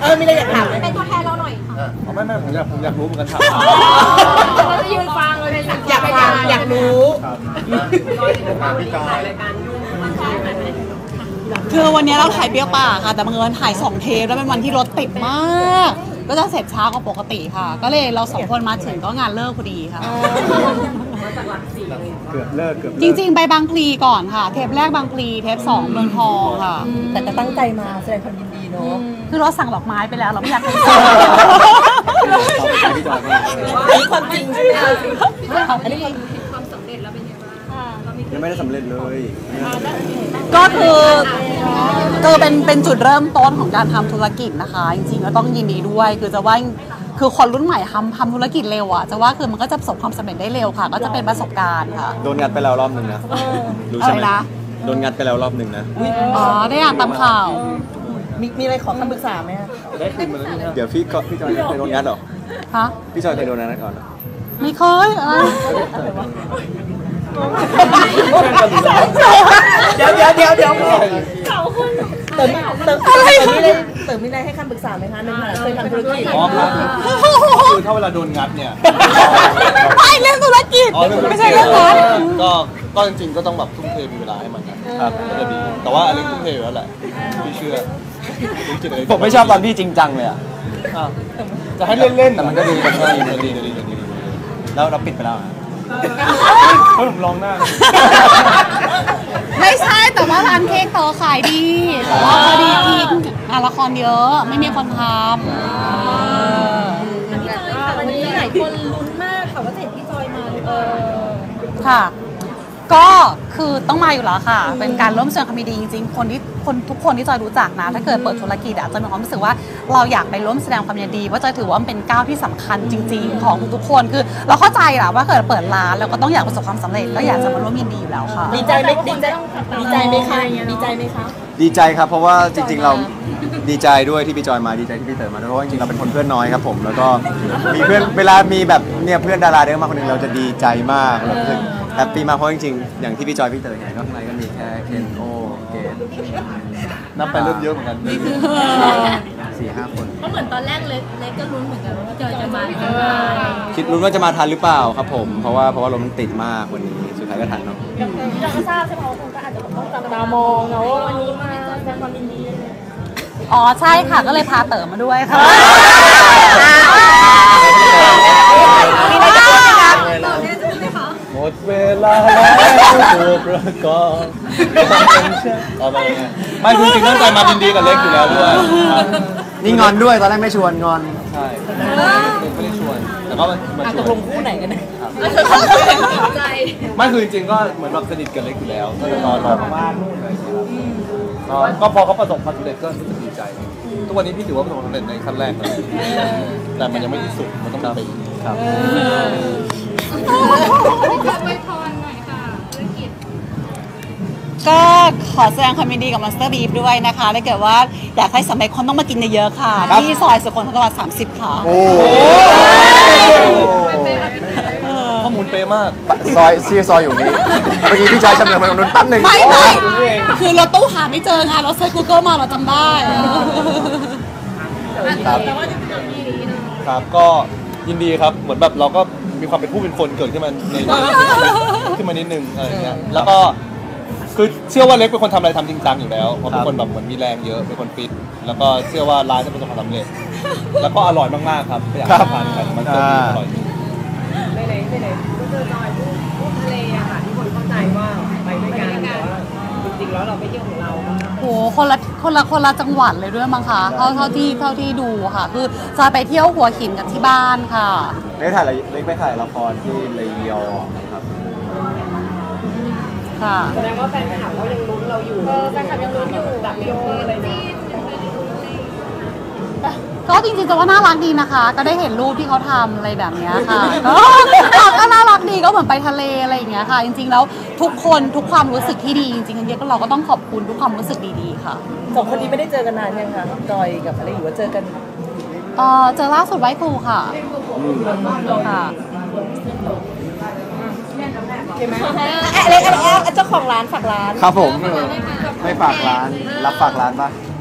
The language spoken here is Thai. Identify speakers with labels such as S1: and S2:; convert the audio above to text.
S1: มีอะไรอยากถามไหม
S2: เป็นตัวแทนเราหน่อย
S3: ไม่ผมอยากรู้เหมือนกันถาม
S2: เราจะยืนฟังเลย
S1: อยากฟังอยากรู้
S3: พี่จอย
S4: คือวันนี้เราถ่ายเปรี้ยวป่าค่ะแต่บังเอิญถ่าย2 เทปแล้วเป็นวันที่รถติดมากก็จะเสร็จช้ากว่าปกติค่ะก็เลยเรา2 คนมาถึงก็งานเลิกพอดีค่ะ
S3: เกือบเลิก
S4: จริงๆไปบางพลีก่อนค่ะเทปแรกบางพลีเทป2เมืองทองค่ะ
S1: แต่จะตั้งใจมาแสดงความยินดีเนาะ
S4: คือเราสั่งดอกไม้ไปแล้วเราไม่อยากให้
S1: อันนี้ความจริงใช่ไหมอันนี้
S2: ความสำเร็จแล้วเป็นยังไงบ้าง
S3: ยังไม่ได้สำเร็จเลย
S4: ก็คือเป็นจุดเริ่มต้นของการทำธุรกิจนะคะจริงๆก็ต้องยินดีด้วยคือจะว่าคือคนรุ่นใหม่ทำธุรกิจเร็วอ่ะจะว่าคือมันก็จะประสบความสำเร็จได้เร็วค่ะก็จะเป็นประสบการณ์ค่ะ
S3: โดนงัดไปแล้วรอบหนึ่งนะรู้ใช่ไหมโดนงัดไปแล้วรอบหนึ่งนะ
S4: อ๋อได้อ่านตามข่าว
S1: มีอะไรขอคำปรึกษาไหม
S3: ได้คืนมาแล้วเดี๋ยวพี่จอยเคยโดนงัดหรอ
S4: ฮะ
S3: พี่จอยเคยโดนงัดก่อน
S4: ไม่เคย
S1: เดี๋ยวเขาคุณเติมมีอะไรให้คำปรึกษาไหมคะในขณะเคยทำธุรกิจ
S3: คือถ้าเวลาโดนงัดเนี่ย
S4: ไม่เรื่องธุรกิจไม่ใช่เรื่องงัด
S3: ก็จริงๆก็ต้องแบบทุ่มเทมีเวลาให้มันครับก็จะดีแต่ว่าอันนี้ทุ่มเทอยู่แล้วแหละพี่เชื่อผมไม่ชอบตอนพี่จริงจังเลยอ่ะจะให้เล่นๆแต่มันก็ดูแบบดีแล้วเราปิดไปแล้วผมลองหน้า
S4: ไม่ใช่แต่ว่าร้านเค้กต่อขายดีแต่ว่าพอดีทีละครเยอะไม่มีคนทำ
S2: วันนี้หลายคนลุ้นมากค่ะว่าจะเห็นพี่จอยมา
S4: ค่ะก็คือต้องมาอยู่แล้วค่ะเป็นการร่วมแสดงความยินดีจริงๆทุกคนที่จอยรู้จักนะถ้าเกิดเปิดธุรกิจจะมีความรู้สึกว่าเราอยากไปร่วมแสดงความยินดีเพราะจอยถือว่ามันเป็นก้าวที่สำคัญจริงๆของทุกคนคือเราเข้าใจแหละว่าเกิดเปิดร้านเราก็ต้องอยากประสบความสำเร็จก็อยากจะมาร่วมยินดีอยู่แล้วค่ะ
S1: ดีใจไหมคะ
S3: ดีใจครับเพราะว่าจริงๆเราดีใจด้วยที่พี่จอยมาดีใจที่พี่เต๋อมาด้วยเพราะว่าจริงๆเราเป็นคนเพื่อนน้อยครับผมแล้วก็มีเพื่อนเวลามีแบบเนี่ยเพื่อนดาราเดินมาคนนึงเราจะดีใจมากเรารู้สึกแฮปปี้มากเพราะจริงๆอย่างที่พี่จอยพี่เต๋อเห็นก็ข้างในก็มีแค่เคนโอเกดนับไปเริ่มเยอะเหมือนกัน4-5 คน
S2: ก็เหมือนตอนแรกเล็กก็ลุ้นเหมือนกันว่าจอยจะมา
S3: คิดลุ้นว่าจะมาทันหรือเปล่าครับผมเพราะว่ารถมันติดมากวันนี้สุดท้ายก็ทันเนาะ
S2: เราก็ทราบใช่ไหมว่าคนก็อาจจะต้องจับตามองเนาะวันนี้มาแสดงความยินดี
S4: อ๋อใช่ค่ะก็เลยพาเต๋อมาด้วยค่ะ
S2: มีอะไรจะพูดไหมคะ
S3: หมดเวลาแล้วตัวประกอบไม่คือจริงตั้งใจมายินดีกับเล็กอยู่แล้วด้วยนี่งอนด้วยตอนแรกไม่ชวนงอนใช่ไม่ได้ชวนแต่ก็มาชวน
S1: ตกลงคู่ไหนกันเนี่ย
S3: ไม่คือจริงๆก็เหมือนแบบสนิทกับเล็กอยู่แล้วก็จะรอบ้านนู่นอะไรก็พอเขาประสบความสำเร็จก็รู้สึกดีใจทุกวันนี้พี่ถือว่าประสบความสำเร็จในขั้นแรกเลยแต่มันยังไม่ที่สุดมันต้องไปครับ
S2: ไปพรหน่อยค่ะธุรกิจ
S4: ก็ขอแสดงความยินดีกับ Monster Beef ด้วยนะคะถ้าเกิดว่าอยากให้สำเร็จคนต้องมากินเยอะๆค่ะที่ซอยสุขนทร30ค่ะ
S3: ข้อมูลเป๊ะมาก
S5: ซอยอยู่นี้เมื่อกี้พี่ชายจำเนียงมาตรงนู้นแป๊บนึง
S4: ไม่คือเราตู้หาไม่เจอไงเราเซิร์ช Google มาเราจำได้
S3: ครับก็ยินดีครับเหมือนแบบเราก็มีความเป็นผู้เป็นคนเกิดขึ้นมาในขึ้นมานิดนึงอะไรเงี้ยแล้วก็คือเชื่อว่าเล็กเป็นคนทำอะไรทำจริงจังอยู่แล้วเพราะเป็นคนแบบเหมือนมีแรงเยอะเป็นคนฟิตแล้วก็เชื่อว่าร้านจะประสบความสำเร็จแล้วก็อร่อยมากๆครับอยากทานกันมันก็อร่อย
S1: ไหนก็เจอจอยพูดทะเลอะค่ะที่คนเข้าใจว่าไปด้วยกันแต่ว่าจริงๆแล้วเราไปเที่ยวของเรา
S4: โหคนละจังหวัดเลยด้วยมั้งคะเท่าที่ดูค่ะคือจะไปเที่ยวหัวหินกับที่บ้านค่ะ
S3: เล็กไปถ่ายละครที่ระยองครับ
S4: ค่ะ
S1: แสดงว่าแฟนคลับเขายังลุ้นเราอยู่แฟนคลับยังลุ้นอยู่แบบโยอะไรนี่
S4: ก็จริงๆจะว่าน่ารักดีนะคะก็ได้เห็นรูปที่เขาทำอะไรแบบนี้ค่ะก็น่ารักดีก็เหมือนไปทะเลอะไรอย่างเงี้ยค่ะจริงๆแล้วทุกความรู้สึกที่ดีจริงๆเราก็ต้องขอบคุณทุกความรู้สึกดีๆค่ะ
S1: 2 คนนี้ไม่ได้เจอกันนานยังคะจอยกับอะไรอยู่ว่าเจอกัน
S4: เจอล่าสุดไว้ครูค่ะค่ะ
S1: ใช่ไหมอะไรเจ้าของร้านฝากร้าน
S3: ครับผมไม่ฝากร้านรับฝากร้านป่ะ